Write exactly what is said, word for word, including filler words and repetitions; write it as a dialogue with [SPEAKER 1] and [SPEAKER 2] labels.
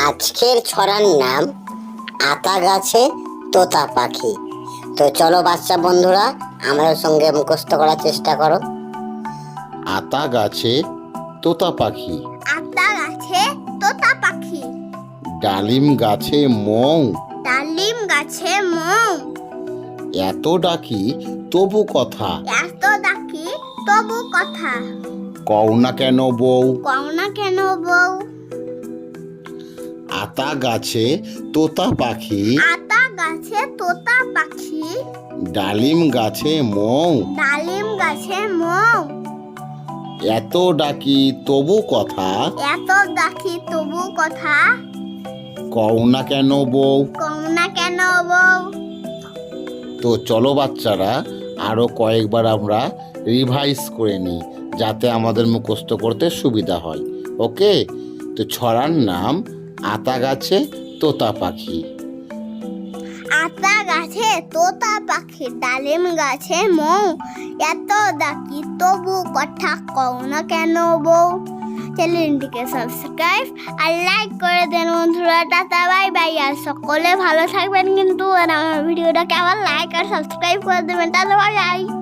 [SPEAKER 1] আজকের ছড়ার নাম আতা গাছে তোতা পাখি। তো চলো বাচ্চা বন্ধুরা, আমাদের সঙ্গে মুখস্থ করার চেষ্টা করো।
[SPEAKER 2] আতা গাছে তোতা পাখি,
[SPEAKER 3] আতা গাছে তোতা পাখি,
[SPEAKER 2] ডালিম গাছে মৌ,
[SPEAKER 3] ডালিম গাছে মৌ,
[SPEAKER 2] এত ডাকি তবু কথা,
[SPEAKER 3] এত ডাকি তবু কথা,
[SPEAKER 2] কও না কেন বউ।
[SPEAKER 3] কও না কেন বউ।
[SPEAKER 2] আতা গাছে তোতা পাখি,
[SPEAKER 3] আতা গাছে তোতা পাখি,
[SPEAKER 2] ডালিম গাছে মৌ,
[SPEAKER 3] ডালিম গাছে মৌ,
[SPEAKER 2] এত ডাকি তবু কথা,
[SPEAKER 3] এত ডাকি তবু কথা,
[SPEAKER 2] কও না কেন বউ।
[SPEAKER 3] কও না কেন বউ।
[SPEAKER 2] তো চলো বাচ্চারা, আরও কয়েকবার আমরা রিভাইজ করে নিই, যাতে আমাদের মুখস্থ করতে সুবিধা হয়। ওকে, তো ছড়ার নাম আতা গাছে তোতা পাখি।
[SPEAKER 3] আতা গাছে তোতা পাখি, ডালিম গাছে মৌ, এত ডাকি তবু কথা, কও না কেন বউ। চ্যানেলটিকে সাবস্ক্রাইব আর লাইক করে দেন বন্ধুরা। টাটা বাই বাই, আর সকলে ভালো থাকবেন কিন্তু। আর আমার ভিডিওটাকে আবার লাইক আর সাবস্ক্রাইব করে দেবেন। Ta ta bye by.